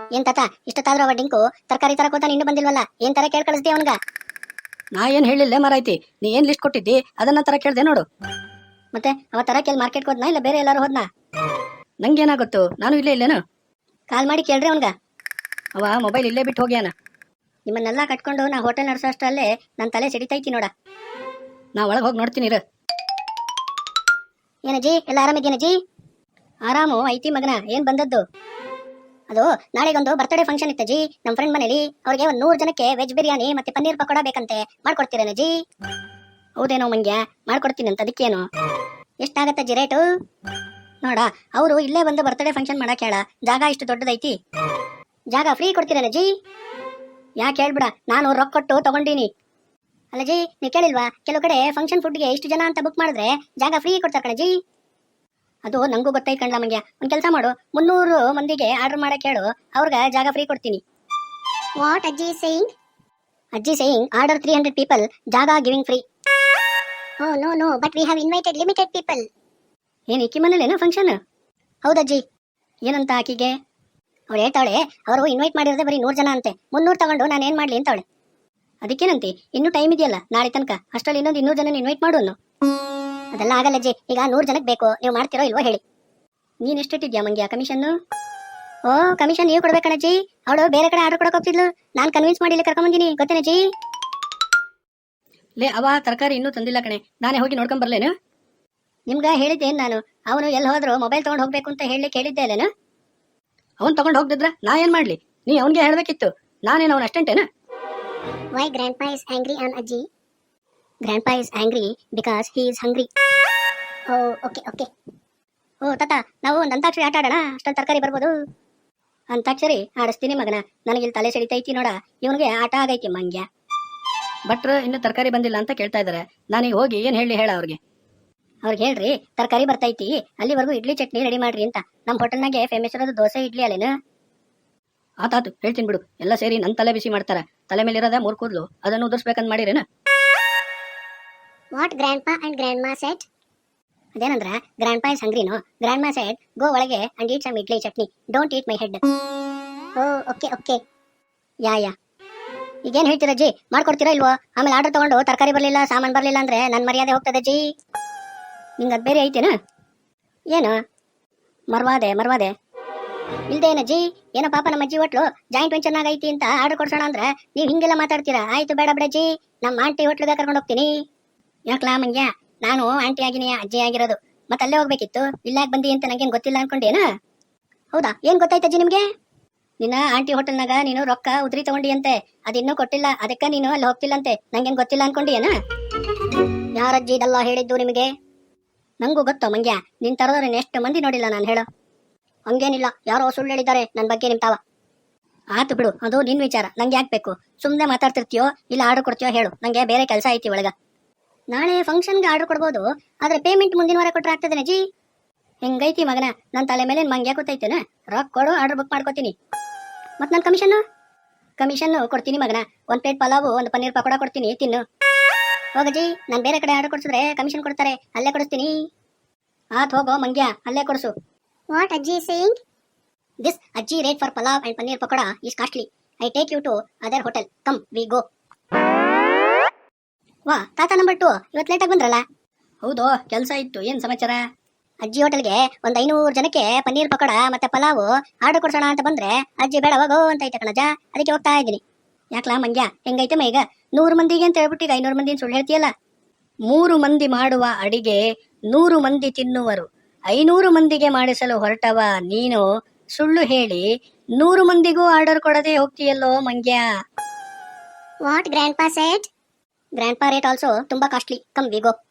ಏನ್ ತಾತ ಇಷ್ಟೊತ್ತಾದ್ರೂ ಅವ ಡಿಂಕು ತರಕಾರಿ ತರಕೋತಾನೆ ಇನ್ನೂ ಬಂದಿಲ್ವಲ್ಲ, ಏನ್ ತರ ಕೇಳ್ ಕಳಿಸ್ದೆ ಅವನ್ಗ? ನಾ ಏನ್ ಹೇಳಿಲ್ಲ ಮಾರಾಯ್ತಿ, ನೀ ಏನ್ ಲಿಸ್ಟ್ ಕೊಟ್ಟಿದ್ದಿ ಅದನ್ನ ತರ ಕೇಳ್ದೆ ನೋಡು. ಮತ್ತೆ ಅವ ತರಕೆಲ್ ಮಾರ್ಕೆಟ್ ಹೋದ್ನಾ ಇಲ್ಲ ಬೇರೆ ಎಲ್ಲಾರು ಹೋದ್ನಾ? ನಂಗೇನಾಗುತ್ತೋ, ನಾನು ಇಲ್ಲೇ ಇಲ್ಲೇನು. ಕಾಲ್ ಮಾಡಿ ಕೇಳ್ರಿ ಅವನ್ಗ. ಅವ ಮೊಬೈಲ್ ಇಲ್ಲೇ ಬಿಟ್ಟು ಹೋಗ್ಯಾನ. ನಿಮ್ಮನ್ನೆಲ್ಲ ಕಟ್ಕೊಂಡು ನಾ ಹೋಟೆಲ್ ನಡೆಸೋ ಅಷ್ಟರಲ್ಲೇ ನನ್ನ ತಲೆ ಸಿಡಿತೈತಿ ನೋಡ. ನಾ ಒಳಗೆ ಹೋಗಿ ನೋಡ್ತೀನಿ ಇರು. ಏನಜ್ಜಿ, ಎಲ್ಲ ಆರಾಮಿದ್ದೀನಜ್ಜಿ? ಆರಾಮು ಐತಿ ಮಗನ, ಏನ್ ಬಂದದ್ದು? ಅದು ನಾಳೆಗೊಂದು ಬರ್ತ್ಡೇ ಫಂಕ್ಷನ್ ಇತ್ತಜ್ಜಿ ನಮ್ಮ ಫ್ರೆಂಡ್ ಮನೇಲಿ. ಅವ್ರಿಗೆ ಒಂದು 100 ಜನಕ್ಕೆ ವೆಜ್ ಬಿರಿಯಾನಿ ಮತ್ತೆ ಪನ್ನೀರ್ ಪಕೋಡ ಬೇಕಂತೆ, ಮಾಡ್ಕೊಡ್ತೀರೇನಜ್ಜಿ? ಹೌದೇನೋ ಮಂಗ್ಯ, ಮಾಡ್ಕೊಡ್ತೀನಿ ಅಂತ. ಅದಕ್ಕೇನು ಎಷ್ಟಾಗತ್ತಜ್ಜಿ ರೇಟು? ನೋಡ, ಅವರು ಇಲ್ಲೇ ಬಂದು ಬರ್ತ್ಡೇ ಫಂಕ್ಷನ್ ಮಾಡಕ್ ಹೇಳ, ಜಾಗ ಇಷ್ಟು ದೊಡ್ಡದೈತಿ, ಜಾಗ ಫ್ರೀ ಕೊಡ್ತೀರೇನಜ್ಜಿ? ಯಾಕೆ ಹೇಳ್ಬಿಡ, ನಾನು ರೊಕ್ಕ ಕೊಟ್ಟು ತಗೊಂಡೀನಿ. ಅಲ್ಲಜಿ, ನೀವು ಕೇಳಿಲ್ವಾ, ಕೆಲವು ಕಡೆ ಫಂಕ್ಷನ್ ಫುಡ್ಗೆ ಇಷ್ಟು ಜನ ಅಂತ ಬುಕ್ ಮಾಡಿದ್ರೆ ಜಾಗ ಫ್ರೀ ಕೊಡ್ತಾರೆ ಕಣಜಿ. ಅದು ನಂಗೂ ಗೊತ್ತೈತ್ ಕಣ್ಲ ಮಂಗ್ಯ. ಒಂದ್ ಕೆಲಸ ಮಾಡು, 300 ಮಂದಿಗೆ ಆರ್ಡರ್ ಮಾಡಕ್ ಹೇಳು, ಅವ್ರಿಗೆ ಜಾಗ ಫ್ರೀ ಕೊಡ್ತೀನಿ. What ajji saying? Ajji saying order 300 people, jaaga giving free. Oh no no, but we have invited limited people. ಏನ್ ಇಕ್ಕಿ ಮನೇಲೇನೋ ಫಂಕ್ಷನ್? ಹೌದಜ್ಜಿ. ಏನಂತ ಆಕಿಗೆ? ಅವಳು ಹೇಳ್ತಾವಳೆ, ಅವರು ಇನ್ವೈಟ್ ಮಾಡಿರೋದೇ ಬರೀ 100 ಜನ ಅಂತೆ, 300 ತಗೊಂಡು ನಾನು ಏನ್ ಮಾಡ್ಲಿ ಅಂತವಳೆ. ಅದಕ್ಕೇನಂತಿ, ಇನ್ನೂ ಟೈಮ್ ಇದೆಯಲ್ಲ ನಾಳೆ ತನಕ, ಅಷ್ಟರಲ್ಲಿ ಇನ್ನೊಂದು 200 ಜನ ಇನ್ವೈಟ್ ಮಾಡು ಅನ್ನು. ಅದೆಲ್ಲ ಆಗಲ್ಲಜ್ಜಿ, ಈಗ 100 ಜನಕ್ಕೆ ಬೇಕು, ನೀವು ಮಾಡ್ತಿರೋ ಇಲ್ವೋ ಹೇಳಿ. ನೀನ್ ಎಷ್ಟಿಟ್ಟಿದ್ಯಾ ಮಂಗ್ಯ ಕಮಿಷನ್ನು? ಓ, ಕಮಿಷನ್ ನೀವು ಕೊಡ್ಬೇಕಣಜ್ಜಿ. ಅವಳು ಬೇರೆ ಕಡೆ ಆರ್ಡರ್ ಕೊಡಕ್ ಹೋಗ್ತಿದ್ಲು, ನಾನು ಕನ್ವಿನ್ಸ್ ಮಾಡಿ ಇಲ್ಲಿ ಕರ್ಕೊಂಬಂದಿನಿ, ಗೊತ್ತೇನಜ್ಜಿ? ಲೇ, ಅವ ತರಕಾರಿ ಇನ್ನೂ ತಂದಿಲ್ಲ ಕಣೆ, ನಾನೇ ಹೋಗಿ ನೋಡ್ಕೊಂಡ್ ಬರ್ಲೇನು? ನಿಮ್ಗ ಹೇಳಿದ್ದೇನ್ ನಾನು, ಅವನು ಎಲ್ಲಿ ಹೋದ್ರು ಮೊಬೈಲ್ ತಗೊಂಡು ಹೋಗ್ಬೇಕು ಅಂತ ಹೇಳಿ ಕೇಳಿದ್ದೆ ಅಲ್ಲೇನು? ಅವ್ನು ತಗೊಂಡು ಹೋಗ್ದಿದ್ರ ನಾ ಏನ್ ಮಾಡ್ಲಿ? ನೀ ಅವನ್ಗೆ ಹೇಳ್ಬೇಕಿತ್ತು, ನಾನೇನು ಅವನ ಅಷ್ಟೇಂಟೇನ? Why grandpa is angry on Ajji? Grandpa is angry because he is hungry. Oh, okay. ಓ ತಾತ, ನಾವು ಒಂದು ಅಂತಾಕ್ಷರಿ ಆಟ ಆಡೋಣ, ಅಷ್ಟೊಂದು ತರಕಾರಿ ಬರ್ಬೋದು. ಅಂತಾಕ್ಷರಿ ಆಡಿಸ್ತೀನಿ ಮಗನ, ನನಗಿಲ್ಲಿ ತಲೆ ಸಿಡಿತೈತಿ ನೋಡ, ಇವನಿಗೆ ಆಟ ಆಗೈತಿ ಮಂಗ್ಯ. ಭಟ್ರು ಇನ್ನು ತರಕಾರಿ ಬಂದಿಲ್ಲ ಅಂತ ಕೇಳ್ತಾ ಇದಾರೆ, ನಾನೀಗ ಹೋಗಿ ಏನ್ ಹೇಳಿ ಹೇಳ ಅವ್ರಿಗೆ ಹೇಳ್ರಿ ತರಕಾರಿ ಬರ್ತೈತಿ, ಅಲ್ಲಿವರೆಗೂ ಇಡ್ಲಿ ಚಟ್ನಿ ರೆಡಿ ಮಾಡ್ರಿ ಅಂತ. ನಮ್ಮ ಹೋಟೆಲ್ನಾಗೆ ಫೇಮಸ್ ಇರೋದು ದೋಸೆ ಇಡ್ಲಿ ಅಲ್ಲೇನು? ಆತಾತು, ಹೇಳ್ತೀನಿ ಬಿಡು. ಎಲ್ಲ ಸೇರಿ ನನ್ನ ತಲೆ ಬಿಸಿ ಮಾಡ್ತಾರ, ತಲೆ ಮೇಲಿರೋದ 3 ಕೂದಲು, ಅದನ್ನು ಉದುರ್ಸ್ಬೇಕಂತ ಮಾಡಿರೇನ? What grandpa and grandma said? ಅದೇನಂದ್ರ, ಗ್ರ್ಯಾಂಡ್ಪಾ ಇಸ್ ಹಂಗ್ರಿನೋ, ಗ್ರ್ಯಾಂಡ್ಮಾ ಸೆಟ್ ಗೋ ಒಳಗೆ and eat some idli chutney, don't eat my head. Oh okay yeah ಈಗೇನ್ ಹೇಳ್ತೀರಜ್ಜಿ, ಮಾಡ್ಕೊಡ್ತೀರಾ ಇಲ್ವೋ? ಆಮೇಲೆ ಆರ್ಡರ್ ತಗೊಂಡು ತರಕಾರಿ ಬರ್ಲಿಲ್ಲ, ಸಾಮಾನು ಬರ್ಲಿಲ್ಲ ಅಂದ್ರೆ ನನ್ನ ಮರ್ಯಾದೆ ಹೋಗ್ತದಜ್ಜಿ. ನಿಂಗೆ ಅದು ಬೇರೆ ಐತೇನ? ಏನು ಮರ್ವಾದೆ ಇಲ್ದೇನಜ್ಜಿ? ಏನೋ ಪಾಪ ನಮ್ಮ ಅಜ್ಜಿ ಹೋಟ್ಲು ಜಾಯಿಂಟ್ ವೆಂಚರ್ನಾಗ ಐತಿ ಅಂತ ಆರ್ಡರ್ ಕೊಡ್ಸೋಣ ಅಂದ್ರೆ ನೀವು ಹಿಂಗೆಲ್ಲ ಮಾತಾಡ್ತೀರಾ? ಆಯ್ತು ಬೇಡ ಬಿಡಜ್ಜಿ, ನಮ್ಮ ಆಂಟಿ ಹೋಟ್ಲಿಗೆ ಕರ್ಕೊಂಡು ಹೋಗ್ತೀನಿ. ಯಾಕ್ಲಾ ಮಂಗ್ಯ, ನಾನು ಆಂಟಿ ಆಗಿನಿ, ಅಜ್ಜಿ ಆಗಿರೋದು, ಮತ್ತೆ ಅಲ್ಲೇ ಹೋಗ್ಬೇಕಿತ್ತು, ಇಲ್ಲಾಕ್ ಬಂದಿ ಅಂತ ನಂಗೇನು ಗೊತ್ತಿಲ್ಲ ಅನ್ಕೊಂಡೇನ? ಹೌದಾ, ಏನ್ ಗೊತ್ತಾಯ್ತಜ್ಜಿ ನಿಮ್ಗೆ? ನಿನ್ನ ಆಂಟಿ ಹೋಟೆಲ್ನಾಗ ನೀನು ರೊಕ್ಕ ಉದ್ರಿ ತಗೊಂಡಿ ಅಂತೆ, ಅದಿನ್ನೂ ಕೊಟ್ಟಿಲ್ಲ, ಅದಕ್ಕ ನೀನು ಅಲ್ಲಿ ಹೋಗ್ತಿಲ್ಲಂತೆ, ನಂಗೇನ್ ಗೊತ್ತಿಲ್ಲ ಅನ್ಕೊಂಡಿಯೇನ? ಯಾರಜ್ಜಿ ಇದೆಲ್ಲ ಹೇಳಿದ್ದು ನಿಮಗೆ? ನಂಗೂ ಗೊತ್ತೋ ಮಂಗ್ಯ, ನಿನ್ ತರದವ್ರನ್ನ ಎಷ್ಟು ಮಂದಿ ನೋಡಿಲ್ಲ ನಾನು, ಹೇಳೋ. ಹಂಗೇನಿಲ್ಲ, ಯಾರೋ ಸುಳ್ಳು ಹೇಳಿದ್ದಾರೆ ನನ್ನ ಬಗ್ಗೆ ನಿಮ್ ತಾವ. ಆತು ಬಿಡು, ಅದು ನಿನ್ ವಿಚಾರ, ನಂಗೆ ಯಾಕೆ ಬೇಕು? ಸುಮ್ಮನೆ ಮಾತಾಡ್ತಿರ್ತೀಯೋ ಇಲ್ಲ ಆರ್ಡರ್ ಕೊಡ್ತೀಯೋ ಹೇಳು, ನಂಗೆ ಬೇರೆ ಕೆಲಸ ಐತಿ ಒಳಗ. ನಾಳೆ ಫಂಕ್ಷನ್ಗೆ ಆರ್ಡರ್ ಕೊಡ್ಬೋದು, ಆದ್ರೆ ಪೇಮೆಂಟ್ ಮುಂದಿನ ವಾರ ಕೊಟ್ರೆ ಆಗ್ತದೇನ ಜಿ? ಹೆಂಗೈತಿ ಮಗನ, ನನ್ನ ತಲೆ ಮೇಲೆ ಮಂಗ್ಯ ಕೂತೈತೇನ? ರೊಕ್ಕ ಕೊಡು, ಆರ್ಡರ್ ಬುಕ್ ಮಾಡ್ಕೋತೀನಿ. ಮತ್ ನನ್ನ ಕಮಿಷನ್ ಕೊಡ್ತೀನಿ ಮಗನ. 1 ಪ್ಲೇಟ್ ಪಲಾವು, 1 ಪನ್ನೀರ್ ಪಕೋಡ ಕೊಡ್ತೀನಿ, ತಿನ್ನು. ಹೋಗಜ್ಜಿ, ನಾನು ಬೇರೆ ಕಡೆ ಆರ್ಡರ್ ಕೊಡ್ಸಿದ್ರೆ ಕಮಿಷನ್ ಕೊಡ್ತಾರೆ, ಅಲ್ಲೇ ಕೊಡಿಸ್ತೀನಿ. ಆತ್ ಹೋಗೋ ಮಂಗ್ಯ, ಅಲ್ಲೇ ಕೊಡಿಸು. What ajji saying? This ajji rate for pulao and paneer pakoda is costly. I take you to other hotel, come we go. ವಾ ತಾತ, ನಂಬರ್ 2 ಇವತ್ತು ಲೇಟಾಗಿ ಬಂದ್ರಲ್ಲ? ಹೌದು, ಕೆಲಸ ಇತ್ತು. ಏನ್ ಸಮಾಚಾರ? ಅಜ್ಜಿ ಹೋಟೆಲ್ಗೆ ಒಂದು 500 ಜನಕ್ಕೆ ಪನ್ನೀರ್ ಪಕೋಡ ಮತ್ತೆ ಪಲಾವು ಆರ್ಡರ್ ಕೊಡ್ಸೋಣ ಅಂತ ಬಂದ್ರೆ ಅಜ್ಜಿ ಬೇಡ ಹೋಗೋ ಅಂತ ಐತೆ ಕಣಜ, ಅದಕ್ಕೆ ಹೋಗ್ತಾ ಇದ್ದೀನಿ. ಯಾಕ್ಲಾ ಮಂಗ್ಯ, ಹೆಂಗೈತೆ ಈಗ? 100 ಮಂದಿಗೆ ಅಂತ ಹೇಳ್ಬಿಟ್ಟು ಈಗ 500 ಮಂದಿ ಸುಳ್ಳು ಹೇಳ್ತೀಯಲ್ಲ? 3 ಮಂದಿ ಮಾಡುವ ಅಡಿಗೆ 100 ಮಂದಿ ತಿನ್ನುವರು, 500 ಮಂದಿಗೆ ಮಾಡಿಸಲು ಹೊರಟವ ನೀನು ಸುಳ್ಳು ಹೇಳಿ 100 ಮಂದಿಗೂ ಆರ್ಡರ್ ಕೊಡದೆ ಹೋಗ್ತೀಯಲ್ಲೋ ಮಂಗ್ಯ. What grandpa said? Grandpa rate also ತುಂಬಾ ಕಾಸ್ಟ್ಲಿ, ಕಮ್ ವಿ ಗೋ.